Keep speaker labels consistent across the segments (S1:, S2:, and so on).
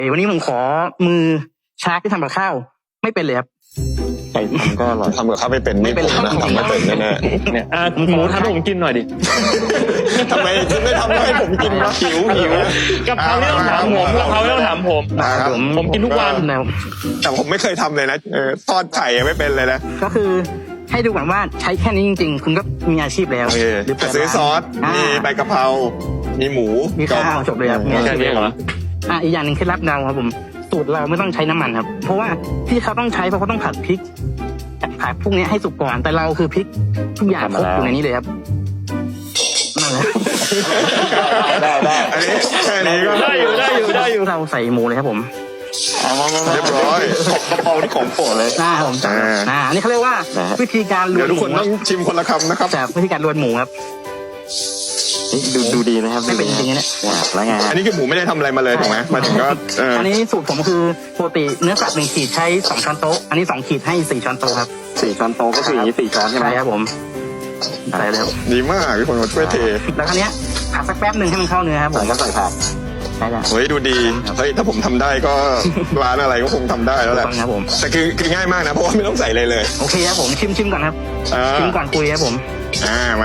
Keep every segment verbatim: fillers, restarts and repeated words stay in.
S1: วันนี้ผมขอมือชาร์กที่ทำกับข้าวไม่เป็นเลยครับ
S2: ใครทำก็อร่อย
S3: ทำกับข้าวไม่เป็น
S1: ไม่เป็น
S3: ผมนะทำไม่เป็นแน่
S2: เนี่ยอ่ะหมูทำให้ผมกินหน่อยดิ
S3: ๆทำไมคุณไม่ทำให้ผมกินวะหิวหิว
S2: กะเพราไม่ต้องถามผมกะเพราไม่ต้องถามผม
S3: ครับ
S2: ผมกินทุกวัน
S1: แล้ว
S3: แต่ผมไม่เคยทำเลยนะเออทอดไข่ยังไม่เป็นเลยนะ
S1: ก็คือให้ดูก่อนว่าใช้แค่นี้จริงๆ คุณก็มีอาชีพแล้ว
S3: โอเค
S1: หรือเปิด
S3: ซื้อซอส
S1: ร้าน
S3: มีใบกะเพรามีหมู
S1: มีข้าวจบเลยครับมีอา
S2: แค่
S1: ชีพ
S2: นี้
S1: แล้ว
S2: เหรอ
S1: อ่ะอีกอย่างหนึ่งเคล็ดลับเราครับผมสูตรเราไม่ต้องใช้น้ำมันครับ เพราะว่าที่เขาต้องใช้เพราะเขาต้องผัดพริกผัดพวกนี้ให้สุกก่อนแต่เราคือพริกทุกอย่างครบอยู่ในนี้เลยครับนั่นแหละ
S2: ได้ได้
S3: อันนี้แค่นี้ก็
S2: ได้อยู่ได้อยู่ได้อยู่
S1: เราใส่หมูเลยครับผม
S2: เอามามามา
S3: เรียบร้อย
S2: กะเพราที่ของโปรดเลย
S1: อ่าผม
S3: อ่า
S1: อ่าอันนี้เขาเรียกว่า
S2: นะฮะ
S1: วิธีการล
S3: เดี๋
S1: วย
S3: วน ทุก
S1: ห
S3: คน
S1: มู
S3: ต้องชิมคนละคำนะครับ
S1: จากวิธีการลวนหมูครับ
S2: ดูดูดีนะครับ
S1: ไม่เป็นจริงๆนะ
S2: แล้วไง
S3: อันนี้คือหมูไม่ได้ทำอะไรมาเลยถูกไหมมาถึงก็เออ
S1: อันนี้สูตรผมคือปกติเนื้อสัตว์หนึ่งขีดใช้สองช้อนโต๊ะอันนี้สองขีดให้สี่ช้อนโต๊ะครับ
S2: สี่ช้อนโต๊ะก็คืออย่างนี้สี่ช้อนใช่ไหม
S1: ใช่ครับผมใส่แล้ว
S3: ดีมากที่คนมาช่วยเท
S1: แล้วครั้งนี้ยผัดสักแป๊บหนึ่งให้มันเข้าเนื้อครับผ
S2: ใส่
S1: ม
S2: ก็ใส่ผัก
S1: ใช่แล้ว
S3: เฮ้ยดูดีเฮ้ยถ้าผมทำได้ก็ ร้านอะไรก็คงทำได้แล้วแหละ
S1: ต้องครับผม
S3: แต่คือคือง่ายมากนะเพราะว่าไม่ต้องใส่เลยเลย
S1: โอเคครับผมชิมชิมก่อนครับ
S3: อ่า
S1: ชิมก่อนคุยครับผม
S3: อ่ามา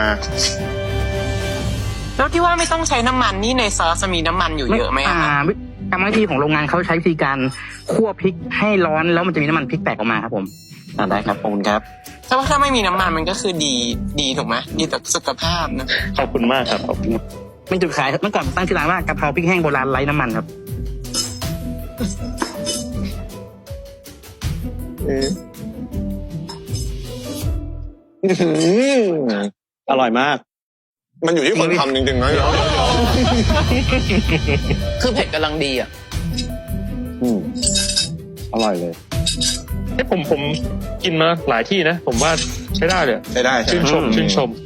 S4: แล้วที่ว่าไม่ต้องใช้น้ำมันนี่ในซอสจะมีน้ำมันอยู่เยอะไหมอะ
S1: อ่า
S4: คะ
S1: วิกรรมวิธีของโรงงานเขาใช้วิธีการคั่วพริกให้ร้อนแล้วมันจะมีน้ำมันพริกแตกออกมาครับผม
S2: อ่าได้ครับขอบคุณครับ
S4: แต่ว่าถ้าไม่มีน้ำมันมันก็คือดีดีถูกไหมดีต่อสุขภาพนะ
S2: ขอบคุณมากครับขอบคุณ
S1: เป็นจุดขายเมื่อก่อนตั้งชื่อร้านว่ากะเพราพริกแห้งโบราณไร้น้ำมันครับ
S3: เอออื้อหือ
S2: อร่อยมาก
S3: มันอยู่ที่คนทำจริงๆนะ
S4: คือเผ็ดกำลังดีอ่ะ
S2: อืมอร่อยเลย
S5: เอ้ผมผมกินมาหลายที่นะ ผมว่าใช้ได้เลย
S3: ใช้ได้ใช่
S5: ชื่น
S3: ไหม
S5: ชมชื่นชม